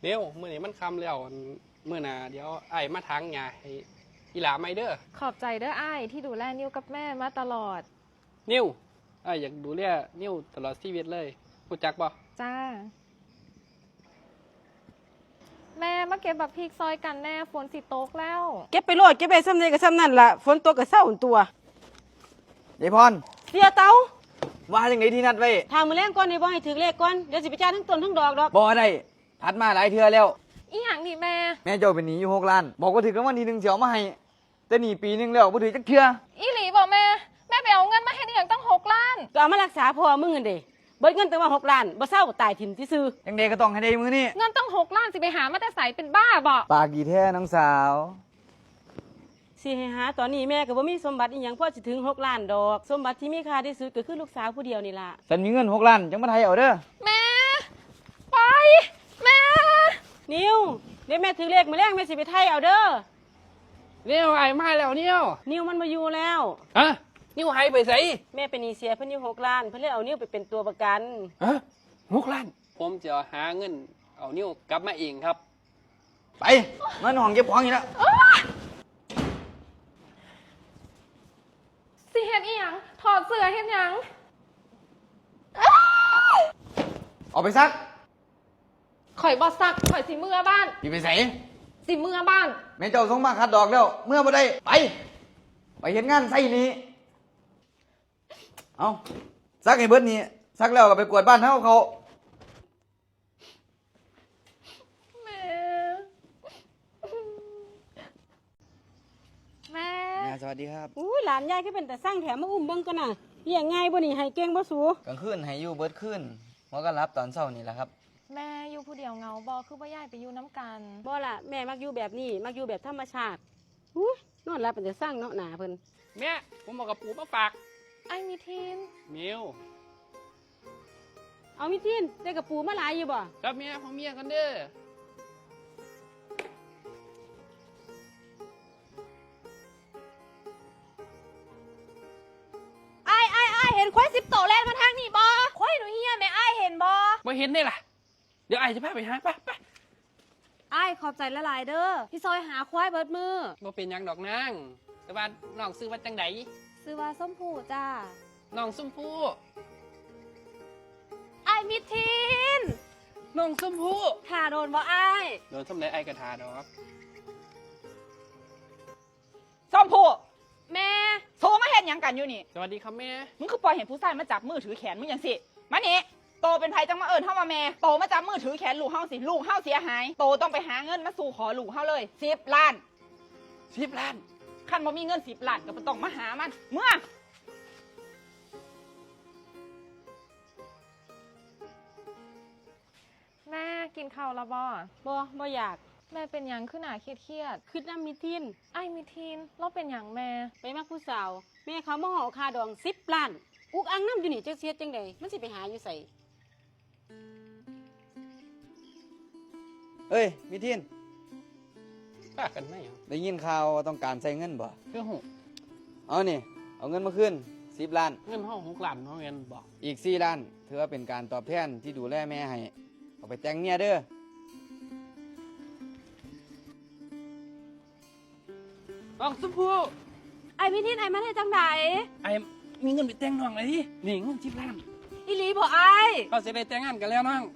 เดี๋ยวมื้อนี้มันค่ำแล้วมื้อหน้าเดี๋ยวไอ้มาทางหญ้าให้อีหลาไม่เด้อขอบใจเด้ออ้ายที่ดูแลนิ้วกับแม่มาตลอดนิวไอ้อยากดูแลนิวตลอดชีวิตเลยรู้จักบ่จ้าแม่มาเก็บบักพริกซอยกันแน่ฝนสิตกแล้วเก็บไปโลดเก็บไปซ้ำใดก็ซ้ำนั่นล่ะฝนตกก็เศร้าตัวยายพรเสียเตาว่าจังไดที่นัดไว้ทางมื้อแรงก่อนนี่บ่ให้ถึงเลขก่อนเดี๋ยวสิไปจ่ายทั้งต้นทั้งดอกดอกบ่ได้พัดมาหลายเทื่อแล้วอีหยังนี่แม่เจ้าเป็นหนี้อยู่6 ล้านบอกว่าถือกันวันที่1สิเอามาให้แต่หนี้ปีนึงแล้วบ่ถือจักเทื่ออีหลีบอกแม่ไปเอาเงินมาให้นี่อย่างตั้ง6 ล้านก็เอามารักษาพ่อมึงนั่นเด้เบิดเงินตั้งว่า6 ล้านบ่เศร้าก็ตายถิ่มซื่อจังได๋ก็ต้องให้ได้มื้อนี้เงินตั้ง6 ล้านสิไปหามาแต่ไสเป็นบ้าบ่ปากกี่แท้น้องสาวสิให้หาตอนนี้แม่ก็บ่มีสมบัติอีหยังพอสิถึง6 ล้านดอกสมบัติที่มีค่าที่สุดก็คือลูกสาวผู้เดียวนี่ล่ะฉันมีเงิน6 ล้านจังมาไทยเอาเด้อแม่ไปแม่นิวเดี๋ยวแม่ถึงเลขมื้อแรงแม่สิไปไทยเอาเด้อนิวไอ้มาแล้วนิวมันบ่อยู่แล้วฮะนิวหายไปไสแม่เป็นหนี้เสียเพิ่นอยู่6 ล้านเพิ่นเลยเอานิวไปเป็นตัวประกันฮะ6 ล้านผมจะหาเงินเอานิวกลับมาเองครับไปเงินห้องเก็บของนี่ละสิเฮ็ดอีหยังถอดเสื้อเฮ็ดหยังออกไปซักข่อยบ่ซักข่อยสิเมื่อบ้านพี่ไปไสสิเมื่อบ้านแม่เจ้าส่งมาคัดดอกแล้วเมื่อบ่ได้ไปเฮ็ดงานไสนี้เอาซักให้เบิดนี่ซักแล้วก็ไปกวาดบ้านเฮาเขาแม่สวัสดีครับหลานยายก็เป็นแต่สร้างแถมมาอุ้มเบิ่งกันน่ะเลี้ยงง่ายบ่นี่ให้เก่งบ่สูกลางคืนให้อยู่เบิดคืนหัวก็รับตอนเช้านี่แหละครับแม่อยู่ผู้เดียวเงาบ่คือบ่ย้ายไปอยู่น้ำกันบ่ล่ะแม่มักอยู่แบบนี้มักอยู่แบบธรรมชาตินอนหลับเป็นแต่สร้างเนาะหนาเพิ่นแม่ผมเอากระปูมาฝากไอ้มีทีนมิวเอามีทีนได้กระปูมาหลายอยู่บ่ครับเมียของเมียกันเด้อไอ้เห็นควาย10 โตแล่นมาทางนี้บ่ควายหนูเฮียแม่ไอ้เห็นบ่เห็นได้ล่ะเดี๋ยวไอ้จะพาไปหาไปไอ้ขอบใจละลายเด้อพี่ซอยหาควายเบิดมือบ่เป็นหยังดอกนางแต่ว่าน้องซื้อว่าจังไดซื้อว่าส้มผูจ้าน้องส้มผู้ไอ้มิทีนน้องส้มผู้ถ่าโดนบ่ไอ้โดนส้มไหนไอ้กระทาดอกส้มผู้แม่โทรมาเห็นยังกันอยู่นี่สวัสดีครับแม่มึงคือปล่อยเห็นผู้ชายมาจับมือถือแขนมึงอย่างสิมานี่โตเป็นไผจังมาเอิญเฮามาแม่โตมาจับมือถือแขนลูกเฮาสิลูกเฮาเสียหายโตต้องไปหาเงินมาสู่ขอลูกเฮาเลย10 ล้าน 10 ล้านคันบ่มีเงิน10 ล้านก็บ่ต้องมาหามันเมื่อแม่กินข้าวแล้วบ่อยากแม่เป็นหยังขึ้นหนาเครียดคือน้ำมีทีนไอ้มีทีนเราเป็นหยังแม่ไปมักผู้สาวแม่เขามาห่อคาดอง10 ล้านอุกอังน้ำอยู่นี่จักเสียจังใดมันสิไปหาอยู่ไสเอ้ยมิทินป้ากันไหมได้ยินข่าวต้องการใช้เงินบ่คือหูเอานี่เอาเงินมาคืน10 ล้านเงินห้อง6 ล้านห้องเงินบอกอีก4 ล้านถือว่าเป็นการตอบแทนที่ดูแลแม่ให้เอาไปแต่งเมียเด้อน้องส้มผู้ไอ้มิทีนไอ้มาได้จังไดไอ้มีเงินไปแต่งน้องเลยดินี่เงิน10 ล้านอีหลีบ่ไอ้ก็จะได้แต่งงานกันแล้วน้อง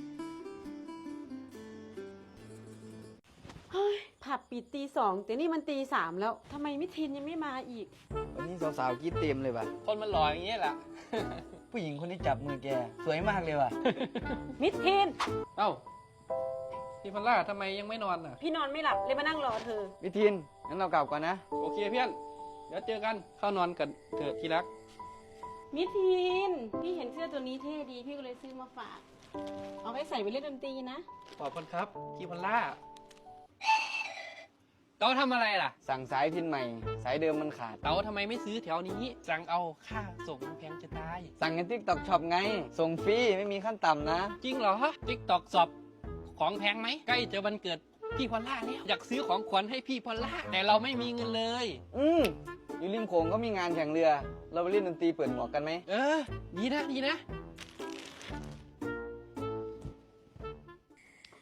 ผับปิดตี 2แต่นี่มันตี 3แล้วทำไมมิทินยังไม่มาอีกวันนี้สาวๆกินเต็มเลยว่ะคนมันหล่ออย่างนี้แหละผู้หญิงคนที่จับมือแกสวยมากเลยว่ะมิทินเอ้าพี่พอลล่าทำไมยังไม่นอนอ่ะพี่นอนไม่หลับเลยมานั่งรอเธอมิทินงั้นเรากลับก่อนนะโอเคเพื่อนเดี๋ยวเจอกันเข้านอนกันเถอะที่รักมิทินพี่เห็นเสื้อตัวนี้เท่ดีพี่ก็เลยซื้อมาฝากเอาไว้ใส่ไปเล่นดนตรีนะขอบคุณครับพี่พอลล่าเต๋าทำอะไรล่ะสั่งสายพินใหม่สายเดิมมันขาดเต๋าทำไมไม่ซื้อแถวนี้สั่งเอาค่าส่งมันแพงจะตายสั่งใน TikTok Shop ไงส่งฟรีไม่มีขั้นต่ำนะจริงเหรอTikTok Shop ของแพงไหมใกล้จะวันเกิดพี่พอลล่าแล้วอยากซื้อของขวัญให้พี่พอลล่าแต่เราไม่มีเงินเลยอยู่ริมโขงก็มีงานแข่งเรือเราไปเล่นดนตรีเปิดหมวกกันไหมดีนะ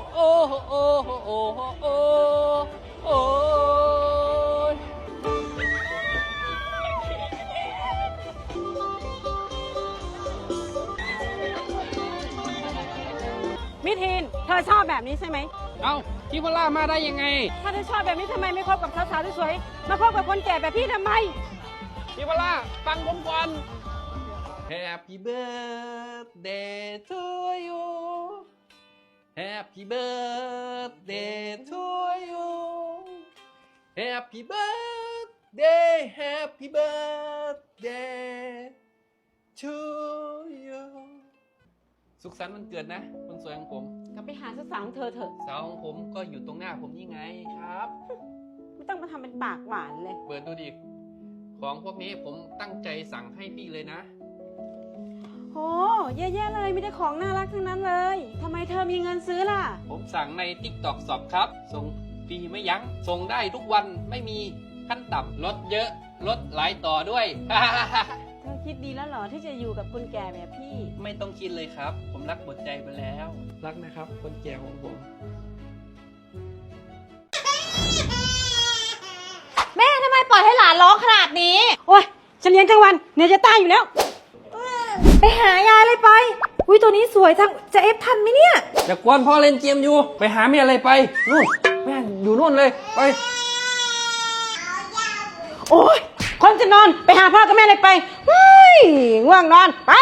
โอ้โอ้โอ้โอ้โอ้ยมิทีนเธอชอบแบบนี้ใช่ไหมเอ้าพี่พอลล่ามาได้ยังไงถ้าเธอชอบแบบนี้ทำไมไม่คบกับสาวๆสวยๆมาคบกับคนแก่แบบพี่ทำไมพี่พอลล่าฟังผมก่อน Happy birthday to you Happy birthday to you Happy birthday Happy birthday to you สุขสันต์วันเกิดนะคนสวยของผมก็ไปหาสาวๆของเธอเถอะสาวของผมก็อยู่ตรงหน้าผมนี่ไงครับไม่ต้องมาทำเป็นปากหวานเลยเปิดดูดิ ของพวกนี้ผมตั้งใจสั่งให้พี่เลยนะโหแย่ๆเลยมีแต่ของน่ารักทั้งนั้นเลยทำไมเธอมีเงินซื้อล่ะผมสั่งใน TikTok Shop ครับ ส่งฟรีไม่ยัง้ง ส่งได้ทุกวันไม่มีขั้นต่ำลดเยอะ ลดหลายต่อด้วยเธอคิดดีแล้วเหรอที่จะอยู่กับคนแก่แบบพี่ไม่ต้องคิดเลยครับ ผมรักหมดใจไปแล้ว รักนะครับ คนแก่ของผมแม่ทำไมปล่อยให้หลานร้องขนาดนี้โอ้ยฉันเลี้ยงทั้งวันเหนื่อยจะตายอยู่แล้วไปหายายเลยไป อุ้ยตัวนี้สวยจัง จะเอฟทันไหมเนี่ยอย่ากวนพ่อเล่นเกมอยู่ ไปหาแม่อะไรไป นู่น แม่อยู่นู่นเลย ไปโอ้ยคนจะนอนไปหาพ่อกับแม่เลยไปเฮ้ยง่วงนอนไป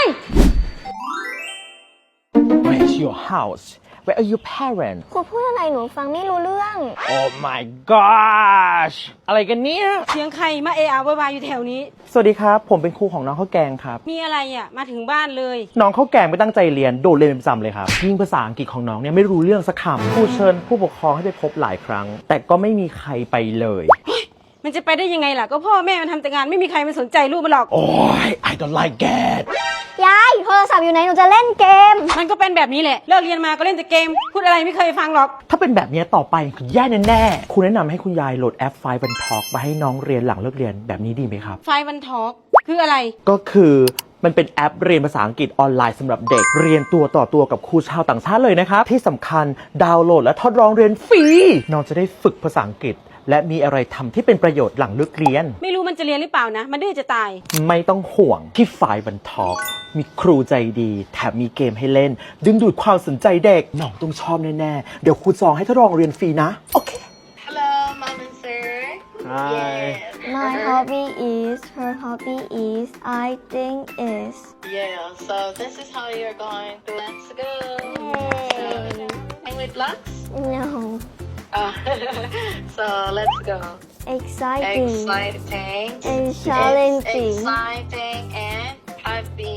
Where's your house? Where are your parents? ครูพูดอะไรหนูฟังไม่รู้เรื่อง Oh my gosh อะไรกันเนี่ยเสียงใครมาเอะอะโวยวายอยู่แถวนี้สวัสดีครับ ผมเป็นครูของน้องข้าวแกงครับมีอะไรอ่ะมาถึงบ้านเลยน้องข้าวแกงไม่ตั้งใจเรียน โดดเรียนเป็นประจำเลยครับ ยิ่งภาษาอังกฤษของน้องเนี่ยไม่รู้เรื่องสักคำครูเชิญผู้ปกครองให้ไปพบหลายครั้ง แต่ก็ไม่มีใครไปเลยมันจะไปได้ยังไงล่ะก็พ่อแม่มันทำแต่งานไม่มีใครมาสนใจลูกมันหรอกโอ้ย I don't like that ยายโทรศัพท์อยู่ไหนหนูจะเล่นเกมมันก็เป็นแบบนี้แหละเลิกเรียนมาก็เล่นแต่เกม พูดอะไรไม่เคยฟังหรอกถ้าเป็นแบบนี้ต่อไปคือแย่แน่ๆครูแนะนำให้คุณยายโหลดแอป Five One Talk มาให้น้องเรียนหลังเลิกเรียนแบบนี้ดีไหมครับไฟวันทอล์กคืออะไรก็คือมันเป็นแอปเรียนภาษาอังกฤษออนไลน์สำหรับเด็กเรียนตัวต่อตัวกับครูชาวต่างชาติเลยนะครับ ที่สำคัญดาวน์โหลดและทดลองเรียนฟรีน้องจะได้ฝึกภาษาอังกฤษ และมีอะไรทำที่เป็นประโยชน์หลังเลิกเรียนไม่รู้มันจะเรียนหรือเปล่านะ มันดื้อจะตายไม่ต้องห่วงที่ฝ่ายบันทอกมีครูใจดีแถมมีเกมให้เล่น ดึงดูดความสนใจเด็กน้องต้องชอบแน่ๆเดี๋ยวครูจองให้ทดลองเรียนฟรีนะโอเค Hello, Mom and Sir. Hi. My hobby is her hobby is I think is Yeah, so this is how you're going to. Let's go. Yay. English blocks? no Oh. So let's go. exciting Exciting. and challenging Exciting and happy.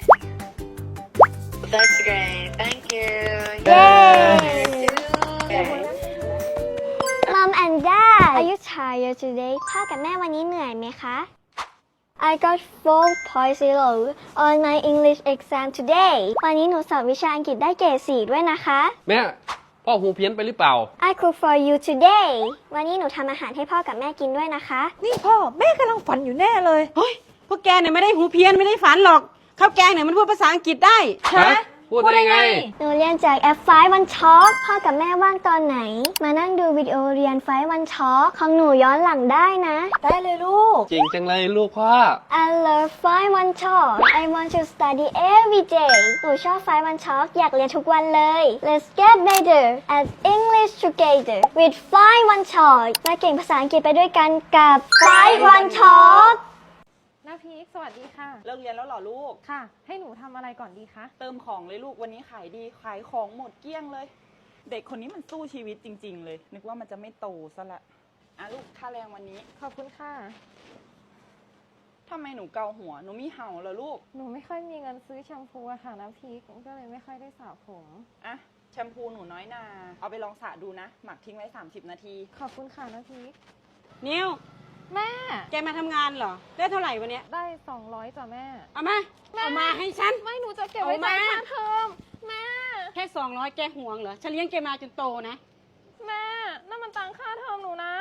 That's great. Thank you. Yay. Okay. Mom and Dad are you tired today พ่อกับแม่วันนี้เหนื่อยไหมคะ I got 4.0 on my English exam today วันนี้หนูสอบวิชาอังกฤษได้เกรด4ด้วยนะคะแม่ พ่อหูเพี้ยนไปหรือเปล่า I cook for you today วันนี้หนูทำอาหารให้พ่อกับแม่กินด้วยนะคะนี่พ่อแม่กำลังฝันอยู่แน่เลยเฮ้ย พวกแกเนี่ยไม่ได้หูเพี้ยนไม่ได้ฝันหรอก ข้าวแกงเนี่ยมันพูดภาษาอังกฤษได้ฮะ พูดได้ไงหนูเรียนจากแอป5 One Talk พ่อกับแม่ว่างตอนไหน มานั่งดูวิดีโอเรียน5 One Talk ของหนูย้อนหลังได้นะได้เลยลูกเก่งจังเลยลูกพ่อ I love 5 One Talk I want to study every day หนูชอบ5 One Talk อยากเรียนทุกวันเลย Let's get better at English together with 5 One Talk มาเก่งภาษาอังกฤษไปด้วยกันกับ5 One Talk น้าพีคสวัสดีค่ะเลิกเรียนแล้วเหรอลูกค่ะ ให้หนูทำอะไรก่อนดีคะเติมของเลยลูกวันนี้ขายดีขายของหมดเกลี้ยงเลย เด็กคนนี้มันสู้ชีวิตจริง ๆ เลย นึกว่ามันจะไม่โตซะละอ่ะลูกค่าแรงวันนี้ขอบคุณค่ะทำไมหนูเกาหัว หนูมีเห่าเหรอลูกหนูไม่ค่อยมีเงินซื้อแชมพูอะค่ะน้ำพริก ก็เลยไม่ค่อยได้สระผมอะแชมพูหนูน้อยนา เอาไปลองสระดูนะ หมักทิ้งไว้ 30 นาทีขอบคุณค่ะน้ำพริกนิวแม่แกมาทำงานเหรอ ได้เท่าไหร่วันเนี้ยได้ 200จ้ะแม่เอามา เอามาให้ฉันไม่หนูจะเก็บไว้จ่ายค่าเทอมแม่แค่200แกห่วงเหรอ ฉันเลี้ยงแกมาจนโตนะแม่นั่นมันตังค่าเทอมหนูนะ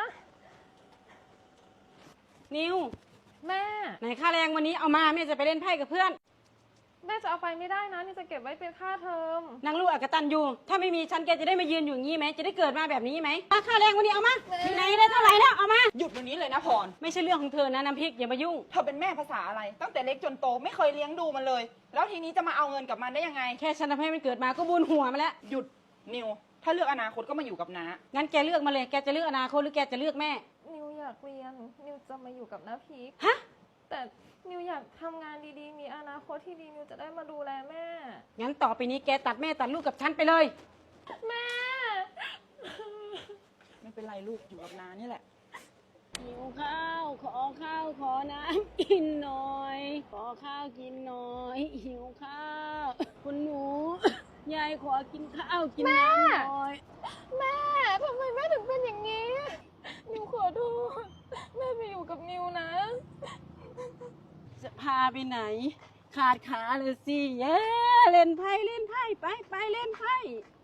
นิวแม่ไหนค่าแรงวันนี้เอามาแม่จะไปเล่นไพ่กับเพื่อนแม่จะเอาไปไม่ได้นะนี่จะเก็บไว้เป็นค่าเทอมนางลูกอกตันยูถ้าไม่มีฉันแกจะได้มายืนอยู่อย่างนี้ไหม จะได้เกิดมาแบบนี้ไหมค่าแรงวันนี้เอามาที่ไหนได้เท่าไหร่แล้วเอามาหยุดวันนี้เลยนะพรไม่ใช่เรื่องของเธอนะน้ำพริกอย่ามายุ่งเธอเป็นแม่ภาษาอะไร ตั้งแต่เล็กจนโตไม่เคยเลี้ยงดูมันเลย แล้วทีนี้จะมาเอาเงินกับมันได้ยังไงแค่ฉันทำให้มันเกิดมาก็บุญหัวมาแล้วหยุดนิว ถ้าเลือกอนาคตก็มาอยู่กับน้างั้นแกเลือกมาเลย แกจะเลือกอนาคตหรือแกจะเลือกแม่นิวอยากเรียน นิวจะมาอยู่กับน้าพีคฮะแต่นิวอยากทำงานดีๆ มีอนาคตที่ดีนิวจะได้มาดูแลแม่งั้นต่อไปนี้แกตัดแม่ตัดลูกกับฉันไปเลยแม่ไม่เป็นไรลูกอยู่กับน้านี่แหละหิวข้าว ขอข้าว ขอน้ำกินหน่อย ขอข้าวกินหน่อย หิวข้าว คุณหนู ยายขอกินข้าวกินน้ำหน่อยแม่ทำไมแม่ถึงเป็นอย่างนี้ นิวขอโทษแม่ไปอยู่กับนิวนะจะพาไปไหน ขาดขาเลยสิเย้เล่นไพ่ไปเล่นไพ่